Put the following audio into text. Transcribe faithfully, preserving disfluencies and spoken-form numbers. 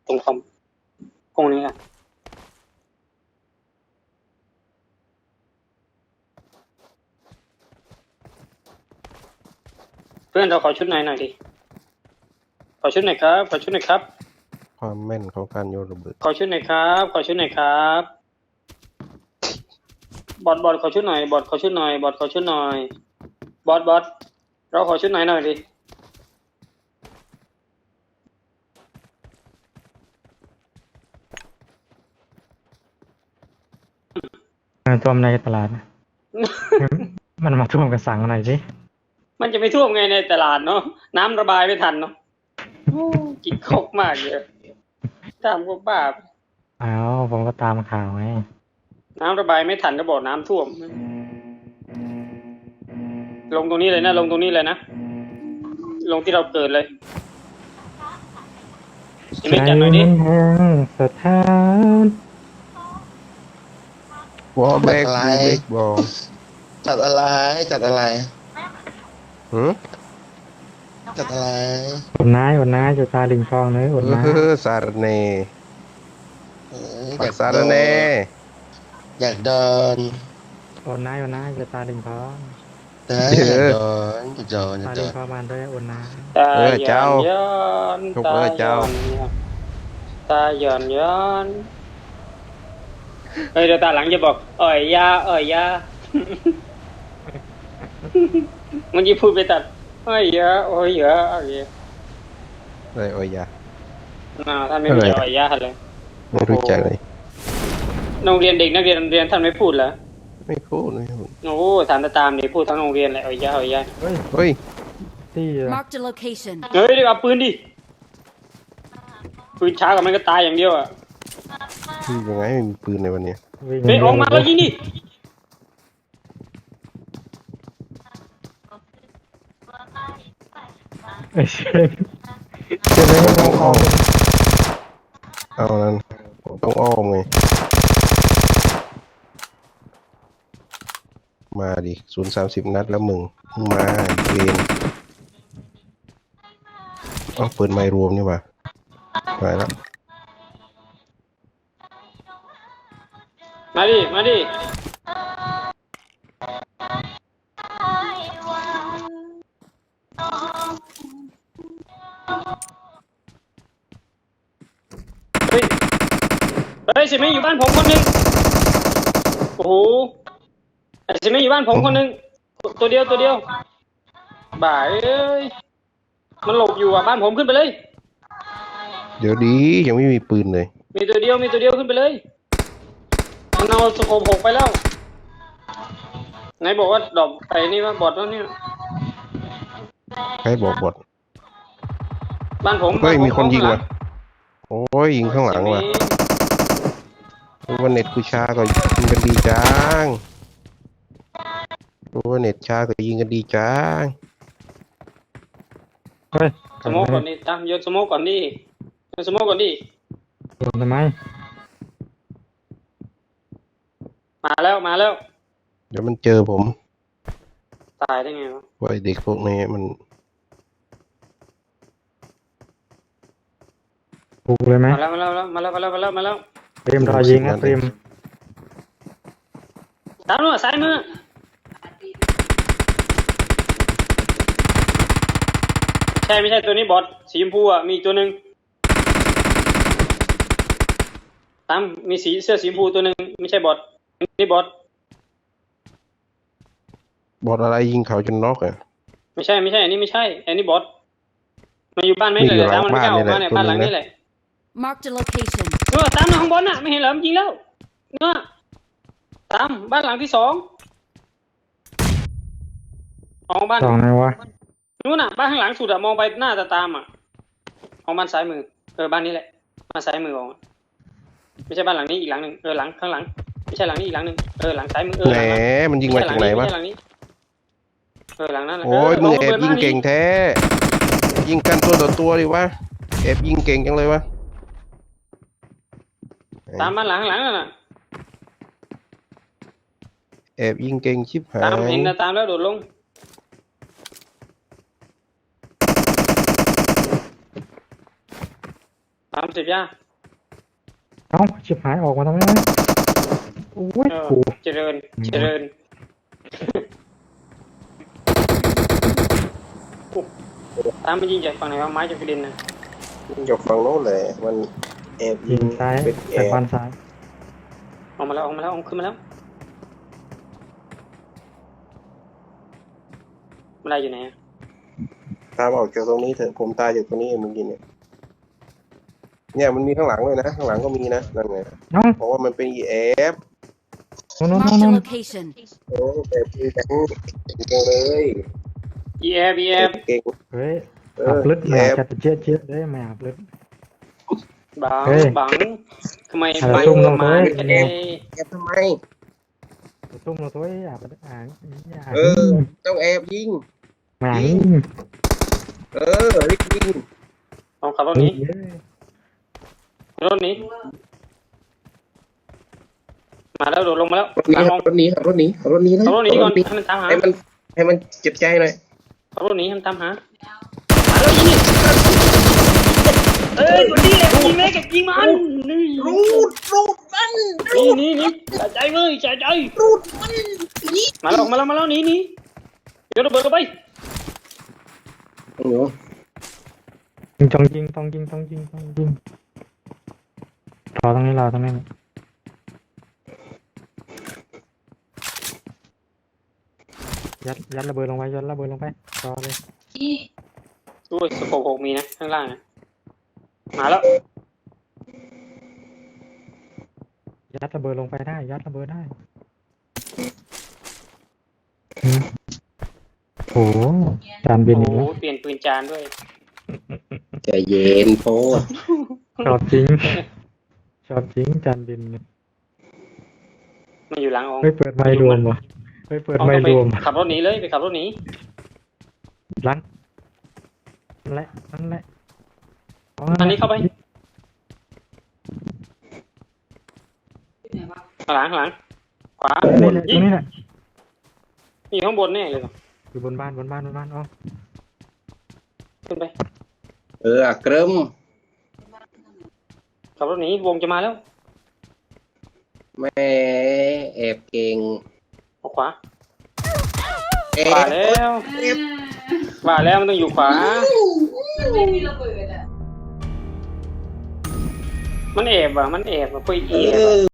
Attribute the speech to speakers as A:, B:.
A: ตรงคอมตรงนี้อ่ะเพื่อนเราขอชุดไหนหน่อยดิขอชุดไหนครับขอชุดไหนครับ
B: ความแม่นของการโยนระเบิด
A: ขอชุดไหนครับขอชุดไหนครับบอดบอดขอชุดหน่อยบอดขอชุดหน่อยบอดขอชุดหน่อยบอดบอดเราขอชุดไหนหน่อยดิ
C: ท่วมในตลาด มันมาท่วมกระสังหน่อยสิ
A: มันจะไม่ท่วมไงในตลาดเนาะน้ำระบายไม่ทันเนาะกินคกมากเลยตามก็บ้า
C: อ้าวผมก็ตามข่าวไง
A: น้ำระบายไม่ทันก็บอกน้ำท่วมลงตรงนี้เลยนะลงตรงนี้เลยนะลงที่เราเกิดเลยยังไม่จัดหน่อยดิ
C: สถาน
B: วอลแบกยูเบกบอล
D: จัดอะไรจัดอะไร
B: หืม
D: จัดอะไร
C: อดน้าอดน้าอยู่ตาลิงคลองเลยอดน้า
B: เออสารเน
D: เอออ
B: ปั
D: ยาก ก
B: สาร
D: โดน
B: เน
D: อยากเดิน
C: อดน้าอดน้าอยู่ตาลิงคลอง
D: นะอยากเดินอยากเดินอยา
C: ตาก
D: เดิ
C: ลิง
D: น
C: คลองมาด้วยอดน้า
A: ตาย้อนย้อนตาย้อนตาย้อนย้อนเฮ้ยเดี๋ยวตาหลังจะบอกอ่อยยาอ่อยยามันจะพูดไปตัดอ่อยยาอ่อยยาอ่อยยา
B: อะไรโอ้ยยา
A: อ่าท่านไม่รู้จักอ่อยยาเลย
B: ไม่รู้จักเลย
A: โรงเรียนเด็กนักเรียนโรงเรียนท่านไม่พูดเหรอ
B: ไม่พูดเลย
A: โอ้ถามตาตามดิพูดทั้งโรงเรียนเลยอ่อยยาอ่อยยา
C: เฮ้ย
B: เฮ้ย
C: ที่
E: Marked a location.
A: เฮ้ยเดี๋ยวเอาปืนดิปืนช้ากว่ามันก็ตายอย่างเดียวอ่ะ
B: ที่ยังไงไม่มีปืนในวันนี้
C: วิ่ง
A: เฮ้ยออกมาแล้วยิงดิ
C: เอ้ยเชื่อเชื่อเลยให้มองออก
B: เอานั้นต้องอ้อมไงมาดิศูนย์สามสิบนัดแล้วมึงมึงมาเวนเอาปืนไม่รวมนี่หว่าไปแล้ว
A: มาดิมาดิเฮ้ยเฮ้ยสิไม่อยู่บ้านผมคนหนึงโอ้โหไอ้สิไม่อยู่บ้านผมคนหนึงตัวเดียวตัวเดียวบ่ายเอ้ยมันหลบอยู่อ่ะบ้านผมขึ้นไปเลย
B: เดี๋ยวดียังไม่มีปืนเลย
A: มีตัวเดียวมีตัวเดียวขึ้นไปเลยมันเอาสโคปหกไปแล้วไหนบอกว่าดอกไปนี่ว่าบอดแล้วเนี่ย
B: ใครบอกบอด
A: บ้านผม
B: เฮ้ย
A: บ้าผ
B: มีคนยิง
A: ข้าหลั
B: ว่ะโอ้ยยิงข้างหลังว่ะรู้ว่าเน็ตกูช้าก็ยิงกันดีจังรู้ว่าเน็ตช้าก็ยิงกันดีจัง
C: เฮ้ย
A: สโมกก่อนดิตามโยนสโมกก่อนดิโยนสโมกก่อนดิ
C: โดนทำไม
A: มาแล้วมาแล้ว
B: เดี๋ยวมันเจอผม
A: ตายได้ไงวะ
B: ว่าไอ้เด็กพวกนี้มัน
C: บุกเลยไหม
A: มาแล้วมาแล้วมาแล้วมาแล้วมาแล้วมาแล้ว
C: เตรียมรอยิงนะเตรียม
A: ตามนู้นซ้ายมือใช่ไม่ใช่ตัวนี้บอทสีชมพูอ่ะมีตัวหนึ่งตามมีสีเสื้อสีชมพูตัวหนึ่งไม่ใช่บอทนี่บอท
B: บอดอะไรยิงเขาจนน็อกอ่ะ
A: ไม่ใช่ไม่ใช่อันนี้ไม่ใช่อันนี้บอทมาอยู่บ้านไม่
B: นี่
A: เลย
B: อยู่
A: ตามมันไม่กล้าออก
B: หลั
A: มาง เนี่ย
B: บ้า
A: บ้าน นหลัง
B: นี่
A: นี้
B: แห
A: แห
B: ละ
A: ละ
E: Marked a location.
A: เออตามมาข้างบนน่ะไม่เห็นเหรอมันยิงแล้วเนาะตามบ้านหลังที่สองออกบ้าน
C: สองไงวะ
A: นู้นน่ะบ้านข้างหลังสุดอะมองไปหน้าตาตามอะของบ้านซ้ายมือเออบ้านนี้แหละบ้านซ้ายมือของไม่ใช่บ้านหลังนี้อีกหลังหนึ่งเออหลังข้างหลังไม่ใช่หลังนี้อีกหลังหนึ่งเออหลังซ้ายมือเออ
B: แหม
A: หลังนั้น
B: มันยิงมาจากไหนวะ
A: ม่ใช่หลังนี้เออหลังนั้น
B: โอ้ยมึงแอบยิง
A: ปิดบ้านนี้
B: เก่งแท้ยิงกันตัวต่อตัวดิวะแอบยิงเก่งจังเลยวะ
A: ตามบ้านหลังข้างหลังนั่นน่ะ
B: แอบยิงเก่งชิบหา
A: ตาม
B: ย
A: เห็นนะตามแล้วโดดลงสามสิบย่า
C: เอ้าชิบหายออกมาทำไมวะโอ้ย
A: เออ
C: กู
A: เจริญเจริญโอ้ตามไปยิงจากฝั่งไหนวะไม้จากกระเด็นนะ
B: อยู่ฝั่งโน้นเลยมันแอบ
C: ยิงซ้าย
B: เป็นแอ
C: จาก
B: บ
C: บ้านซ้าย
A: ออกมาแล้วออกมาแล้วออกขึ้นมาแล้วมันได้อยู่ไหนอะ
B: ตามออกจากตรงนี้เถอะผมตายอยู่ตรงนี้เองเมื่อกี้เนี่ยเนี่ยมันมีข้างหลังด้วยนะข้างหลังก็มีนะนั่นไง
C: เอ้า
B: เพราะว่ามันเป็นอีแอฟ
C: โน่นโน่น
E: Marked
C: โน่
E: a
C: น
E: location.
B: โอ้แบบนี้จังเก่งเลย
A: อีเอฟอีเอฟ
B: เก่ง
C: เฮ้ย
B: เอ
C: อั
B: อบ
C: ลึก
B: แอ
C: มา
B: ฟ
C: จะเจี๊ยดเจี๊ยดได้ไม่อับลึก
A: บัง
C: เฮ้ย
A: บังทำไม
C: อะไร
A: ไม่
C: ซุ่มลง
A: มา
C: เลย
A: กันเอง
B: แอบทำไม
C: ตุ้มเราตัวอ่ะอ่านอ่าน
B: เออต้องแอบยิง
C: มา
B: ยิง เออรีบยิง
A: ลองขับรถหนี้
C: เฮ้ย
A: รถหนี้มาแล้วโดดลงมาแล้ว
B: รถหนี้
A: ตาม
B: ค
A: ล
B: รั
A: ง
B: บรถหนี้ครับรถหนี้ขับรถหนี้นะ
A: ขับรถหนี้ก่อน
B: ขับ
A: ให้มันตามหา
B: ให้มันให้มันเจ็บใจหน่อย
A: ขับรถหนี้ให้มันตามหามาแล้วยิงดิเอ้ยตัวนี้แหละยิงแม่กับยิงมันนี่
B: รูดรูดมัน
A: นี่นี่นี่จ่ายใจเลยจ่ายใจ
B: รูดมันนี่
A: มาแล้วมาแล้วมาแล้วหนี่นี่เดี๋ยวระเบิดเข้าไป
B: โอ้โห
C: ต้องยิงต้องยิงต้องยิงต้องยิงรอตรงนี้รอตรงนี้ยัดยัดระเบิดลงไปยัดระเบิดลงไปรอเลย
A: ด้วยสโคปหกมีนะข้างล่างนะมาแล้ว
C: ยัดระเบิดลงไปได้ยัดระเบิดได้อืมโอ้โหจานบิ
A: โอ้
C: น
A: โห
C: อีกแล้ว
A: เปลี่ยนปืนจานด้วย
B: ใจเย็นโพด
C: ชอบจริงชอบจริงจานบินเนี่ย
A: มันอยู่หลังองค์
C: ไม่เปิดไมค์รวมวะไม่เปิดไมค์รวม
A: ไปขับรถหนีเลยไปขับรถหนี
C: หลังนั่นแหละนั่นแหละ
A: อันนี้เข้าไปข้างหลังข้างหลังขวา
C: นี่แหละต
A: ยิ
C: รง งนี้แหละ
A: มีข้างบนแน่เลยเหรอ
C: อยู่บนบ้านบนบ้านบนบ้านอ๋อ
A: ขึ้นไป
B: เอออะเกริม
A: ขับรถหนีวงจะมาแล้ว
B: แม่แอบเก่ง
A: เอาขวา
B: แอ
A: ขวา
B: บ
A: แล้วขวาแล้วมันต้องอยู่ขวา
F: ไม่มีระเบิดอ่ะ
A: มันแอบอ่ะมันแอบอ่ะคุย
B: เอ
A: แอบอ่ะ
B: อ